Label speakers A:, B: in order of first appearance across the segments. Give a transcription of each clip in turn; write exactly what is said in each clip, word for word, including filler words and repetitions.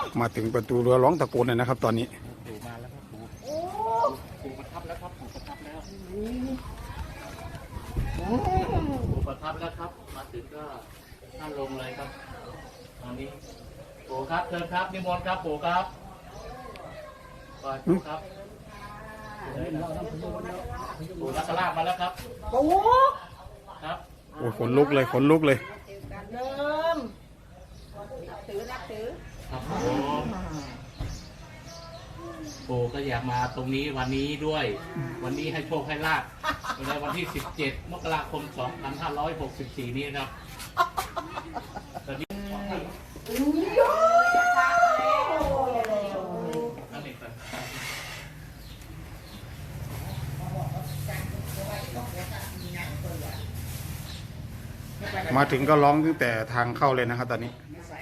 A: มาถึงประตูเรือร้องตะโกนเลยนะครับตอนนี้
B: ปู่มาแล้วครับปู่ปู่ประทับแล้วครับปู่ประทับแล้วปู่ประทับแล้วครับมาถึงก็ท่านลงเลยครับตอนนี้ปู่ครับเชิญครับนิมนต์ครับปู่ครับก่อนปู่ครับปู่นักลาบมาแล้วครับ
C: ปู่
B: ครับ
A: โอ้ยขนลุกเลยขนลุกเลย
C: เดิมนับถือนับถือ
B: ครับผมปู่ก็อยากมาตรงนี้วันนี้ด้วย วันนี้ให้โชคให้ลาภในวันที่สิบเจ็ดมกราคมสองพันห้าร้อยหกสิบสี่นี้ครับตอนนี้
A: มาถึงก็ร้องตั้งแต่ทางเข้าเลยนะครับตอนนี้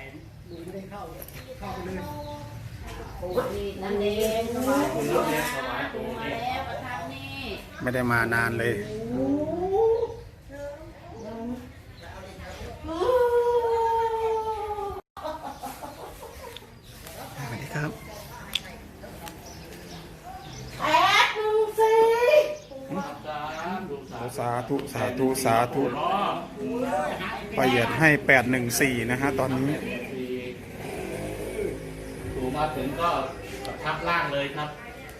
A: ไม่ได้มานานเลยสวัสดีครับสาธุสาธุสาธุประหยัดให้แปดหนึ่งสี่นะฮะตอนนี้
B: ปู่มาถึงก็ประทับล่างเลยครับ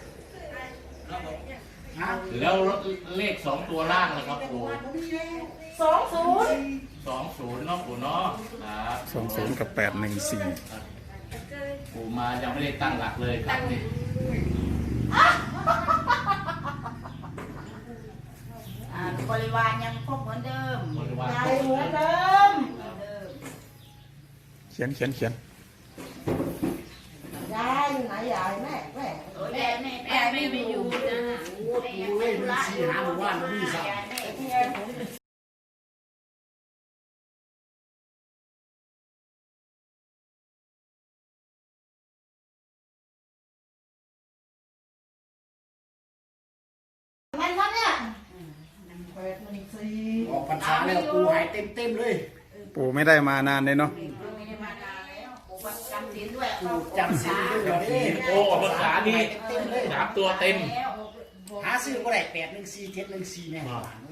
B: แล้วเลขสองตัวล่างนะครับปู่
C: สองศูนย์
B: สองศูนย์เนาะปู่เนาะครับ
A: สองศูนย์กับแปดหนึ่งสี่
B: ปู่มายังไม่ได้ตั้งหลักเลยครับนี่
C: บริวารยังครบเหมือนเดิม
B: บริวาร
C: ยายเหมือนเดิม
A: เขียนเขียนเขียน
C: ยายอยู่ไหนยายแม่แม่แม่แม่แม่ไม่ไปอยู่นะแม่ยังไม่รู้ละหาหมู่บ้านไม่ทราบแม่ท่านเนี่ย
D: ออกพรรษาแล้วปูหายเต็มเต็มเลย
A: ปู่ไม่ได้มานานเลยเนาะ
C: ไม่ได้มานานแล้วปู่จำศีลด้วย
D: ปูจำศีลด้วย
B: โอ้ภาษานี่สามตัวเต็ม
D: หาซื้อก็ได้แปดหนึ่งสี่เจ็ดหนึ่งสี่แน่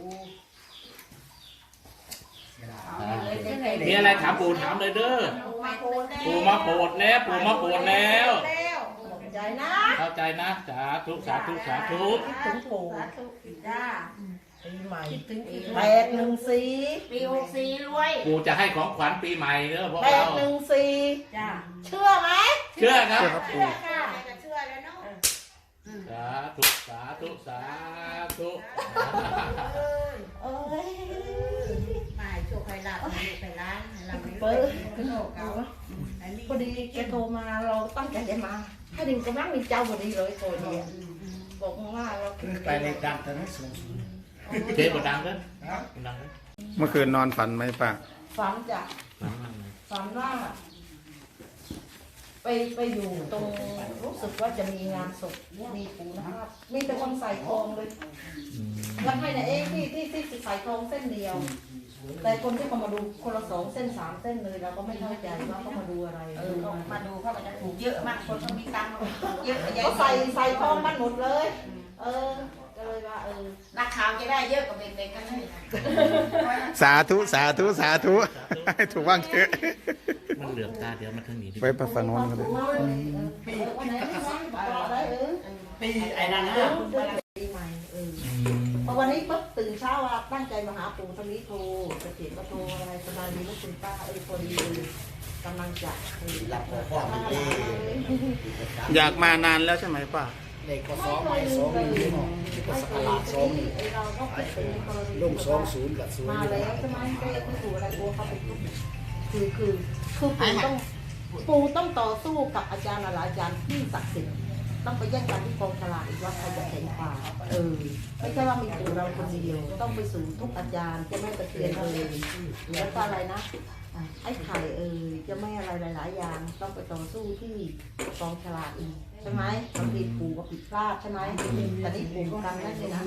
B: มีอะไรถามปู่ถามเลยเด้อปู่มาโปรดแล้วปู่มาโปรดแล้ว
C: ใจนะ
B: เข้าใจนะสาธุสาธุสาธุ
C: ถึงปู่จ้าปีใหม่แปดหนึ่งสี่ปีหกสี่รวย
B: ปู่จะให้ของขวัญปีใหม่เด้อพวก
C: เราแปดหนึ่งสี่
B: จ้า
C: เชื่อไหม
B: เชื่อครับ
C: เชื่อค่ะเชื่อแล้วเนาะ
B: สาธุสาธุสาธุ
C: เอ้ยไม่โชคใครหลับไม่ไปร้านเราไม่เปิดขึ้นโลกเก่าพอดีแกโทรมาเราตั้งใจจะมาถ้าดินกำลังมีเจ้าพอดีเลยตัวเดียวบอกว่าเรา
D: ไปในดังตอนนั้นสูง
B: เจ๊บดังเด้อดัง
A: เมื่อคืนนอนฝันไหมป้า
C: ฝันจ้ะฝันว่าไปไปอยู่ตรงรู้สึกว่าจะมีงานศพมีปู่นะครับมีแต่คนใส่ทองเลยแล้วให้นะเองที่ที่ที่ใส่ทองเส้นเดียวแต่คนที่เขามาดูคนละสองเส้นสามเส้นเลยเราก็ไม่เข้าใจว่าเขามาดูอะไรเออมาดูเขาจะถูกเยอะมากคนเขามีตังค์เยอะเขาใส่ใส่ทองมันหมดเลยเออก็เลยว่าเออนักข่าวจะได้เยอะกว่าเด็กๆกันเลย
A: สาธุสาธุสาธุให้ถูกบ้างเถอะ
B: มันเหลืองตาเดี๋ยวมันทั้งนี้
A: ไปประฝันวันกันเลย
D: ปีปีไอ้นั่นนะ
C: ปีใหม่เออพอวันนี้ปุ๊บตื่นเช้าว่าตั้งใจมาหาปู่ตอนนี้โทรจะเขียนก็โทรอะไรสบายดีลูกคุณป้าเออพอดีกำลังจะ
D: รับข้อมูล
A: อยากมานานแล้วใช่ไหมป้า
D: เด็กก็ซ้อมไปซ้อมนี่เนาะก็สลาดซ้อมนี่ลงซ้อมศูนย์กับศูนย์
C: มาแล้วใช่ไหมก็ยังไม่ถูกอะไรกลัวเขาเป็นคือคือคือปู่ต้องปู่ต้องต่อสู้กับอาจารย์หลายอาจารย์ที่ศักดิ์สิทธิ์ต้องไปแย่งกันที่กองฉลากอีกว่าใครจะแข่งกว่าเออไม่ใช่ว่ามีปู่เราคนเดียวต้องไปสู่ทุกอาจารย์จะไม่ตะเกียนเลยแล้วก็อะไรนะไอ้ไข่เออจะไม่อะไรหลายๆอย่างต้องไปต่อสู้ที่กองฉลากอีกใช่ไหมบางทีปู่ก็ผิดพลาดใช่ไหมแต่นี่ปู่ก็ทำได้เลยนะ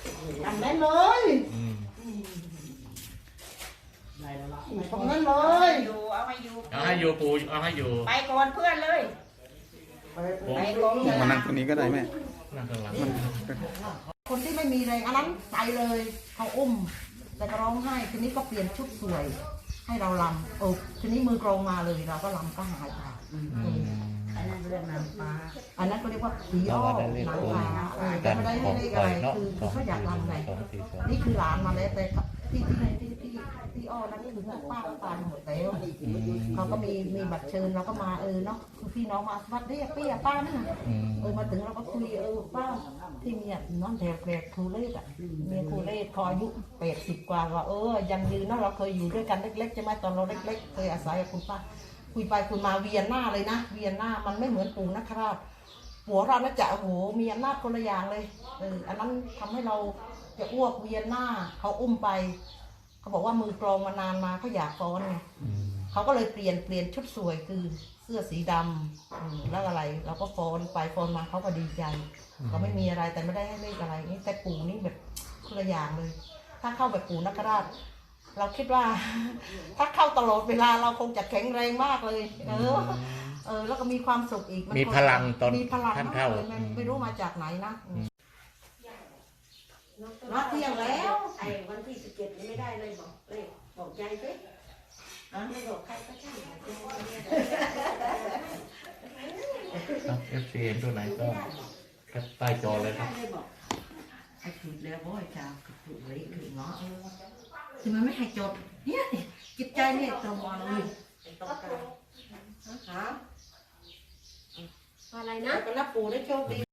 C: ทำได้เลยตรงนั้นเลยย
E: อยู่เอาให้อยู่
B: เอาให้อยู่ปู่เอาให้อยู่
E: ไปก่อนเพื่อนเลย
C: ไปลง
A: มานั่งตรงนี้ก็ได้แม่
B: นั่งข้างหลัง
C: คนที่ไม่มีแรงอันนั้นไปเลยเขาอุ้ม แต่ก็ร้องไห้ทีนี้ก็เปลี่ยนชุดสวย ให้เราลำเออทีนี้มือกรองมาเลยเราก็ลำก็หายไป
E: อันนั้นเรื่องนางฟ้า
C: อันนั้นก็เรียกว่าผีอ้อหนังฟ้าเออแต่ไม่ได้ให้เลขอะไรคือคือเขาอยากลำไงนี่คือหลานมาแล้วแต่ที่ที่ที่ที่ที่อ้อนั้นคือป้าก็ตายหมดแล้วเขาก็มีมีบัตรเชิญเราก็มาเออเนาะคือพี่น้องมาวัดเรียกพี่อะป้านั่นน่ะเออมาถึงเราก็คุยเออป้าที่เมียน้องแถวแกรครูเล่อ่ะเมียครูเล่พออายุแปดสิบกว่าว่าเออยังยืนเนาะเราเคยอยู่ด้วยกันเล็กๆใช่ไหมตอนเราเล็กๆเคยอาศัยกับคุณป้าคุยไปคุยมาเวียนหน้าเลยนะเวียนหน้ามันไม่เหมือนปู่นะครับหัวเราน่าจะโอ้โหมีอำนาจคนละอย่างเลยเอออันนั้นทำให้เราจะอ้วกเวียนหน้าเขาอุ้มไปเขาบอกว่ามือกรองมานานมาเขาอยากฟ้อนไงเขาก็เลยเปลี่ยนเปลี่ยนชุดสวยคือเสื้อสีดำอืมแล้วอะไรเราก็ฟ้อนไปฟ้อนมาเขาก็ดีใจเขาไม่มีอะไรแต่ไม่ได้ให้เลขอะไรนี่แต่ปู่นี่แบบคนละอย่างเลย ถ้าเข้าแบบปู่นักราชเราคิดว่า ถ้าเข้าตลอดเวลาเราคงจะแข็งแรงมากเลย เออ เออ แล้วก็มีความสุขอีกน
B: มีพลังตอน
C: มีพลัง
B: ท่าน
C: มาก
B: เข้า
C: เลยมันไม่รู้มาจากไหนนะมาเที่ยงแล้ว
E: ไอ้วันที่สิบเจ็ดนี่ไม่ได้เลยบอกเลยบอกใจสิอ่ะไม่บอกใครก็ช่าง
B: เอฟซีเห็นตัวไหนก็แคปใต้จอเลยครับ
E: ได้บอก
C: ไอ้ถูกแล้วโว้ยจ้าถูกเลยถูกเนาะเออทำไมไม่ให้จดเนี่ยจิตใจเนี่ยตรงเลยตรงกันฮะ
E: อะไรนะ
C: ไปรับปู่ได้โชคดี